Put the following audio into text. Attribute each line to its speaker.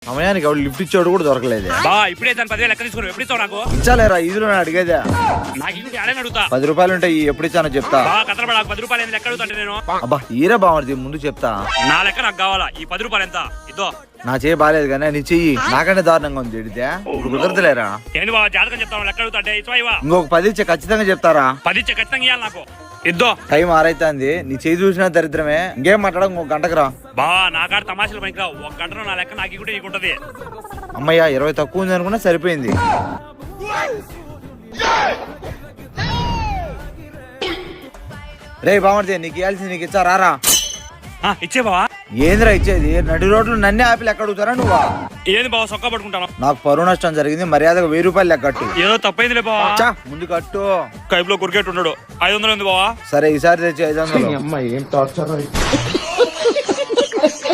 Speaker 1: సమయానికి ఎవరు లిఫ్ట్ ఇచ్చాడు కూడా దొరకలేదు.
Speaker 2: బా ఇప్పుడే దాని 10,000 లెక్క తీసుకుని ఎప్పుడు ఇస్తావు నాకు?
Speaker 1: ఇచ్చాలేరా, ఇదిలో అడిగేదా?
Speaker 2: నాకు ఇంటి అడని అడుగుతా.
Speaker 1: 10 రూపాయలు ఉంటాయి, ఎప్పుడు ఇచ్చానో చెప్తా.
Speaker 2: బా కథలు నాకు 10 రూపాయలు లెక్క అడుగుతా నేను.
Speaker 1: అబ్బా ఈరా బామర్ది, ముందు చెప్తా.
Speaker 2: నా లెక్క నాకు కావాలా. ఈ 10 రూపాయలు ఎంత? ఇద్దో.
Speaker 1: నా చెయ్యి బాగాలేదు కానీ నీ చెయ్యి నాకంటే దారుణంగా ఉంది. ఎడితే ఇప్పుడు కుదరదులేరా.
Speaker 2: ఏంటి బాబా జాతకం చెప్తాను లెక్క అడుగుతా అంటే ఇవ్వవా?
Speaker 1: ఇంకొక 10 ఇచ్చే ఖచ్చితంగా చెప్తారా?
Speaker 2: 10 ఇచ్చే ఖచ్చితంగా ఇవ్వాలి నాకు. ఇద్దో.
Speaker 1: టైం ఆరైతుంది, నీ చెయ్యి చూసినా దరిద్రమే. ఇంకేం మాట్లాడ, ఇంకొక గంటకు రా.
Speaker 2: బా నా కాడ తమాషలు పనికి రావు. 1 గంటలో నా లెక్క నాకు ఇకుంటే నీకుంటది.
Speaker 1: అమ్మయ్య 20 తక్కువ ఉంది అనుకున్నా, సరిపోయింది. రే బామర్ది, నీకు ఇవ్వాల్సింది నీకు ఇచ్చా, రారా.
Speaker 2: ఇచ్చే బావా.
Speaker 1: ఏందిరా ఇచ్చేది? నడి రోడ్లు నన్నే ఆపి లెక్క అడుగుతారా నువ్వా?
Speaker 2: ఏంది బావ సొక్క పట్టుకుంటాను?
Speaker 1: నాకు పరువు నష్టం జరిగింది, మర్యాదగా 1000 రూపాయలు లెక్క కట్టు.
Speaker 2: ఏదో తప్పైందిలే బావా.
Speaker 1: ముందు కట్టు.
Speaker 2: కైపులో క్రికెట్ ఉన్నాడు. 500 ఉంది బావా.
Speaker 1: సరే ఈసారి తెచ్చి 500.